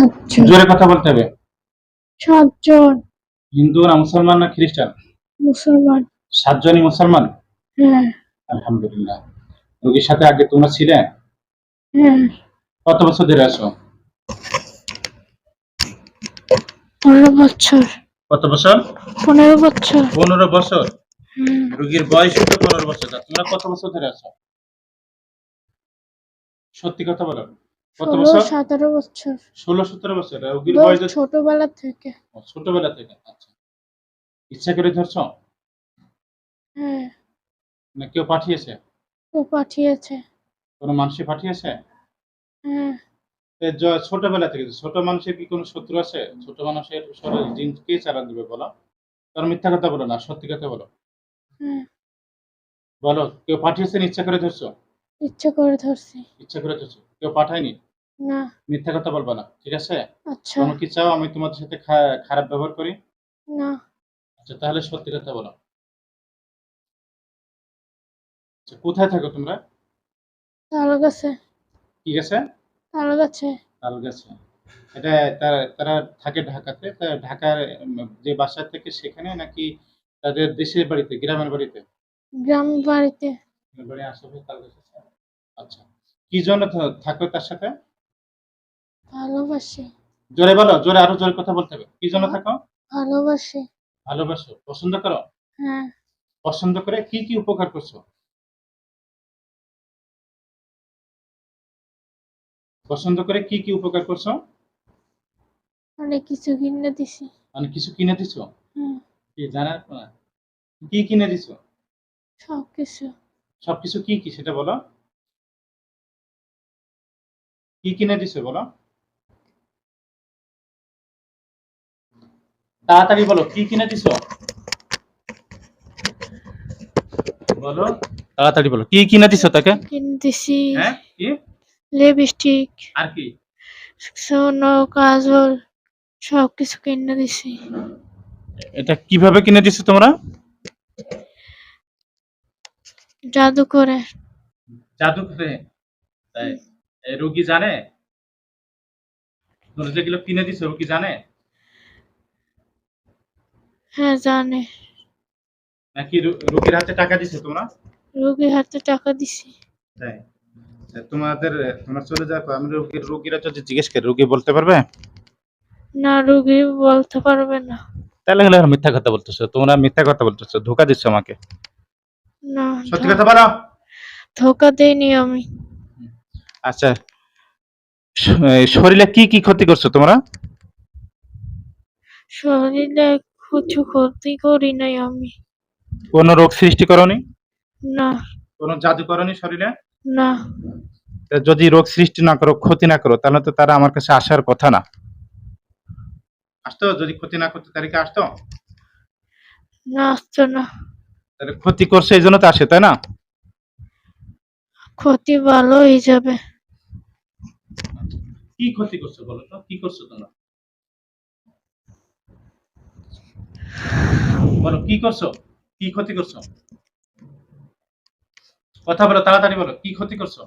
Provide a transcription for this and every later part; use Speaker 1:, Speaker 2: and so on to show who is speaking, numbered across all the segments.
Speaker 1: সাতজন।
Speaker 2: জোরে কথা বলতে হবে।
Speaker 1: সাতজন।
Speaker 2: হিন্দু না মুসলমান না খ্রিস্টান?
Speaker 1: মুসলমান।
Speaker 2: 7 জনই মুসলমান?
Speaker 1: হ্যাঁ।
Speaker 2: আলহামদুলিল্লাহ। রোগীর সাথে আগে তোমরা ছিলে?
Speaker 1: হ্যাঁ।
Speaker 2: কত বছর ধরে আছো?
Speaker 1: 15 বছর।
Speaker 2: কত বছর?
Speaker 1: 15 বছর।
Speaker 2: 15 বছর।
Speaker 1: হুম।
Speaker 2: রোগীর বয়সই তো 15 বছর। তা তোমরা কত বছর ধরে আছো? সত্যি কথা বলো। কত
Speaker 1: 16
Speaker 2: বছর?
Speaker 1: 17 বছর।
Speaker 2: 16-17 বছর। রোগীর বয়স
Speaker 1: ছোটবেলা থেকে।
Speaker 2: ছোটবেলা থেকে। আচ্ছা। ইচ্ছা করে ধরছো?
Speaker 1: হ্যাঁ।
Speaker 2: না কেউ পাঠিয়েছে?
Speaker 1: ও পাঠিয়েছে।
Speaker 2: কোনো মানুষই পাঠিয়েছে?
Speaker 1: হ্যাঁ।
Speaker 2: ছোটবেলা থেকে ছোট মানুষের কি কোনো শত্রু আছে? ছোট মানুষের শরীর জিন কে চালান দিবে বলো? কারণ মিথ্যা কথা বলো না, সত্যি কথা বলো।
Speaker 1: হ্যাঁ।
Speaker 2: বলো, কেউ পাঠিয়েছেন ইচ্ছা করে ধরছো?
Speaker 1: ইচ্ছে করে ধরছি।
Speaker 2: ইচ্ছা করে ধরছো। কেউ পাঠায়নি?
Speaker 1: না।
Speaker 2: মিথ্যা কথা বলবা না। ঠিক আছে?
Speaker 1: আচ্ছা।
Speaker 2: তোমরা কি চাও আমি তোমাদের সাথে খারাপ ব্যবহার করি?
Speaker 1: না।
Speaker 2: আচ্ছা তাহলে সত্যি কথা বলো। আচ্ছা কোথায় থাকো তোমরা?
Speaker 1: তাল গাছে।
Speaker 2: কি গেছে?
Speaker 1: তাল গাছে।
Speaker 2: তাল গাছে। এটা তারা থাকে ঢাকাতে। ঢাকার যে বাসা থেকে সেখানে নাকি তাদের দেশের বাড়িতে, গ্রামের বাড়িতে?
Speaker 1: গ্রাম বাড়িতে।
Speaker 2: বাড়ি আশেপাশে তাল গাছ আছে? আচ্ছা। কি জন্য থাকো তার সাথে?
Speaker 1: ভালোবাসি।
Speaker 2: জোরে বলো, জোরে আরো জোরে কথা বলতে হবে। কি জন্য থাকো?
Speaker 1: ভালোবাসি।
Speaker 2: ভালোবাসো, পছন্দ করো?
Speaker 1: হ্যাঁ।
Speaker 2: পছন্দ করে কি উপকার করছো? পছন্দ করে কি উপকার করছো?
Speaker 1: অনেক কিছু কিনে দিছি।
Speaker 2: মানে কিছু কিনে দিছো?
Speaker 1: হুম।
Speaker 2: কি জানার না? কি কিনে দিছো?
Speaker 1: সবকিছু।
Speaker 2: সবকিছু কি সেটা বলো? কি কিনে দিছো বলো? তাড়াতাড়ি বলো, কি কিনে দিছো? বলো, তাড়াতাড়ি বলো। কি কিনে দিছো তাকে?
Speaker 1: কিনে দিছি
Speaker 2: হ্যাঁ? কি?
Speaker 1: লিপস্টিক,
Speaker 2: আর কি?
Speaker 1: সোনো, কাজল সবকিছু কিনে দিছি।
Speaker 2: এটা কিভাবে কিনে দিছো তোমরা?
Speaker 1: জাদু করে।
Speaker 2: জাদু করে? তাই? রোগী জানে? তোমরা যেগুলো কিনে দিছো রোগী জানে?
Speaker 1: হ্যাঁ জানে।
Speaker 2: নাকি রোগীর হাতে টাকা দিছো তোমরা?
Speaker 1: রোগীর হাতে টাকা দিছি।
Speaker 2: তাই? তোমরা চলে যাওয়ার পর আমি রোগীরা যদি জিজ্ঞেস করে রোগী বলতে পারবে?
Speaker 1: না, রোগী বলতে পারবে না।
Speaker 2: তাহলে হলে মিথ্যা কথা বলতেছো। তোমরা মিথ্যা কথা বলতেছো, ধোঁকা দিচ্ছ আমাকে।
Speaker 1: না,
Speaker 2: সত্যি কথা বলো।
Speaker 1: ধোকা দেইনি আমি।
Speaker 2: আচ্ছা, শরীরে কি ক্ষতি করছো তোমরা?
Speaker 1: শরীরে কিছু ক্ষতি করি নাই আমি।
Speaker 2: কোন রোগ সৃষ্টি করনি?
Speaker 1: না।
Speaker 2: কোন জাদু করনি শরীরে?
Speaker 1: না।
Speaker 2: যদি রোগ সৃষ্টি না করো, ক্ষতি না করো, তাহলে তো তারা আমার কাছে আসার কথা না। আসতো? যদি ক্ষতি না করতো তাহলে কি আসতো?
Speaker 1: না, আসতো না।
Speaker 2: তাহলে ক্ষতি করছে এই জন্য তো আসে, তাই না?
Speaker 1: ক্ষতি ভালো হয়ে যাবে।
Speaker 2: কি ক্ষতি করছো বলো তো? কি করছো তোমরা? বলো কি করছো? কি ক্ষতি করছো? কথা বলো, তাড়াতাড়ি বলো, কি ক্ষতি করছো?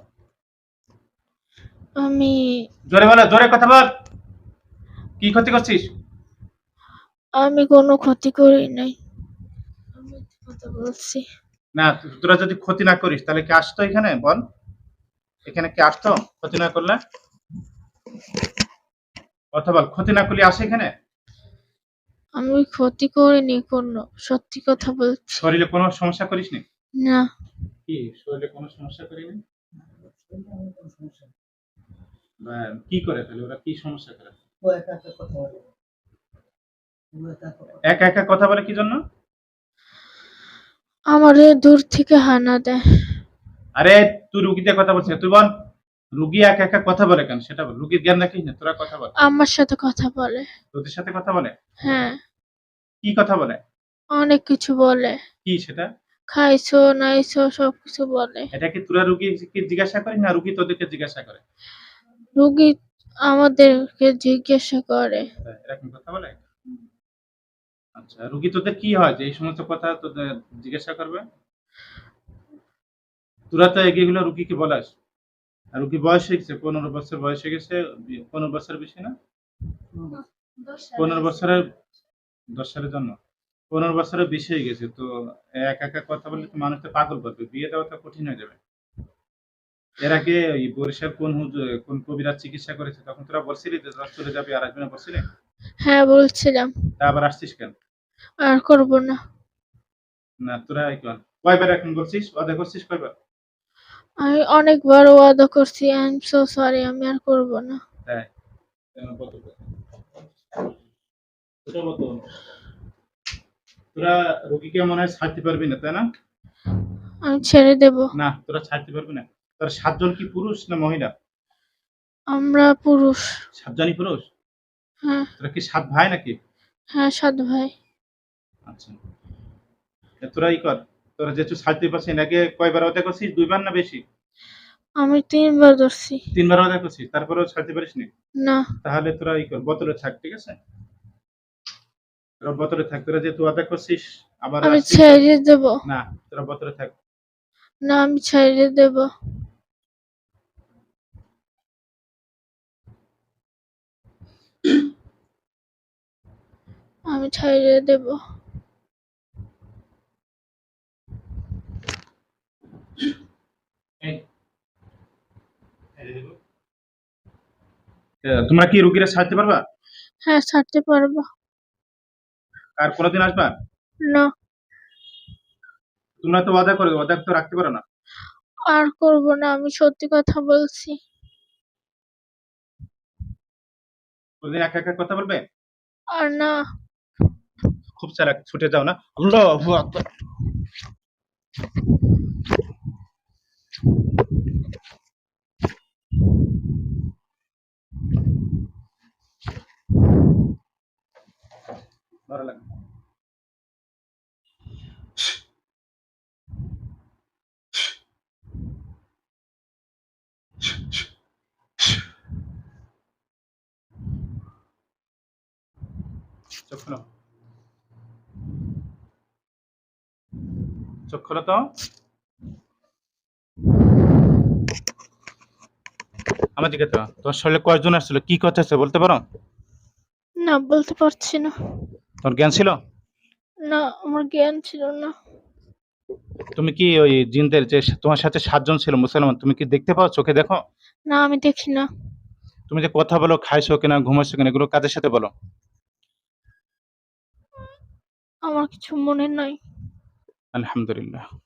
Speaker 1: আমি
Speaker 2: জোরে বলো, জোরে কথা বল। কি ক্ষতি করছিস?
Speaker 1: আমি কোনো ক্ষতি করি নাই। আমি কথা বলছি।
Speaker 2: না, তোরা যদি ক্ষতি না করিস তাহলে কি আসতো এখানে বল? এখানে কি আসতো ক্ষতি না করলে? কথা বল, ক্ষতি না করলে আসে এখানে?
Speaker 1: আমি ক্ষতি করিনি কোনো, সত্যি কথা বলছি।
Speaker 2: শরীরে কোনো সমস্যা করিসনি?
Speaker 1: না।
Speaker 2: কি শরীরে কোনো সমস্যা করিনি? বা কি করে তাহলে ওরা কি সমস্যা করে? একা একা কথা বলে কি জন্য?
Speaker 1: আমারে দূর থেকে হানা দেয়।
Speaker 2: আরে তুই রুগী দিয়ে কথা বলছিস, তুই বল। রুগী একা একা কথা বলে কেন সেটা বল। রুগীর জ্ঞান রাখিস না, তোরা কথা বল।
Speaker 1: আমার সাথে কথা বলে।
Speaker 2: তোদের সাথে কথা বলে?
Speaker 1: হ্যাঁ।
Speaker 2: কি কথা বলে?
Speaker 1: অনেক কিছু বলে।
Speaker 2: কি সেটা?
Speaker 1: খাইছো নাইছো সবকিছু বলে।
Speaker 2: এটা কি তোরা রুগীকে জিজ্ঞাসা করিস না রুগী তোদেরকে জিজ্ঞাসা করে?
Speaker 1: রোগী আমাদেরকে জিজ্ঞাসা করে।
Speaker 2: এরকম কথা বলে? আচ্ছা, রুগী তোদের কি হয় যে এই সমস্ত কথা তোদের জিজ্ঞাসা করবে? তোরা তো এগুলো রুগীকে বলাস। আর রুগী বয়স হয়ে গেছে, 15 বছর বয়স হয়ে গেছে, 15 বছর বেশি না? 15 বছরের 10 সালের জন্য 15 বছরের বেশি হয়ে গেছে তো একা একা কথা বললে তো মানুষ তো পাগল পাবে, বিয়ে দেওয়া তো কঠিন হয়ে যাবে। এর আগে ওই বরিশাল কোন কবিরাজ চিকিৎসা করেছে তখন তোরা বলছিলি যে তোরা চলে যাবি আর আসবি না বলছিলি?
Speaker 1: হ্যাঁ বলছিলাম।
Speaker 2: তা আবার আসছিস কেন?
Speaker 1: আর করব না।
Speaker 2: না তোরা কয়বার এখন বলছিস ওয়াদা করছিস কয়বার?
Speaker 1: আমি অনেকবার ওয়াদা করছি। আই এম সো সরি, আমি আর করব না।
Speaker 2: তাই কত ওটা কত? তোরা রোগীকে মনে হয় ছাড়তে পারবি না তাই না?
Speaker 1: আমি ছেড়ে দেব।
Speaker 2: না তোরা ছাড়তে পারবি না। তোর 7 জন কি পুরুষ না মহিলা?
Speaker 1: আমরা পুরুষ।
Speaker 2: 7 জনই পুরুষ?
Speaker 1: হ্যাঁ।
Speaker 2: তোরা কি 7 ভাই নাকি?
Speaker 1: হ্যাঁ, 7 ভাই।
Speaker 2: আচ্ছা। তোরা কর, তোরা যেহেতু ছাড়তে পারছিস না, আগে কয়বার ওয়াদা করছিস? 2 বার না বেশি?
Speaker 1: আমি 3 বার ধরছি।
Speaker 2: 3 বার ওয়াদা করছিস তারপরেও ছাড়তে পারিসনি?
Speaker 1: না।
Speaker 2: তাহলে তোরা কর, বোতলে থাক, ঠিক আছে? তোরা বোতলে থাক, তোরা যেহেতু ওয়াদা করছিস আবার
Speaker 1: আমি
Speaker 2: আসছিস।
Speaker 1: ছেড়ে দেব।
Speaker 2: না তোরা বোতলে থাক।
Speaker 1: না, আমি ছেড়ে দেব। আমি ছেড়ে দেব।
Speaker 2: এই, তোমরা কি রুগীরা ছাড়তে পারবা?
Speaker 1: হ্যাঁ, ছাড়তে পারবো।
Speaker 2: আর কোনোদিন আসবা?
Speaker 1: না।
Speaker 2: তোমরা তো ওয়াদা করো, ওয়াদা তো রাখতে পারো না।
Speaker 1: আর করব না, আমি সত্যি কথা বলছি।
Speaker 2: কোনদিন একা একা কথা বলবে?
Speaker 1: আর না।
Speaker 2: খুব চালাক, ছুটে যাও না। আল্লাহু আকবার। ভালো লাগে। চোখ খোলো, চোখ খোলো তো। আমার দিকে তো তোমার শরীরে কয়জন আসছিল, কি কথা আছে বলতে পারো?
Speaker 1: না, বলতে পারছি না।
Speaker 2: তোর জ্ঞান ছিল?
Speaker 1: না, আমার জ্ঞান ছিল না।
Speaker 2: তুমি কি ওই জিনদের যে তোমার সাথে 7 জন ছিল মুসলমান, তুমি কি দেখতে পাও, চোখে দেখো?
Speaker 1: না, আমি দেখি না।
Speaker 2: তুমি যে কথা বলো, খাইছো কিনা, ঘুমাইছো কিনা, এগুলো কাদের সাথে বলো?
Speaker 1: আমার কিছু মনে নাই।
Speaker 2: আলহামদুলিল্লাহ।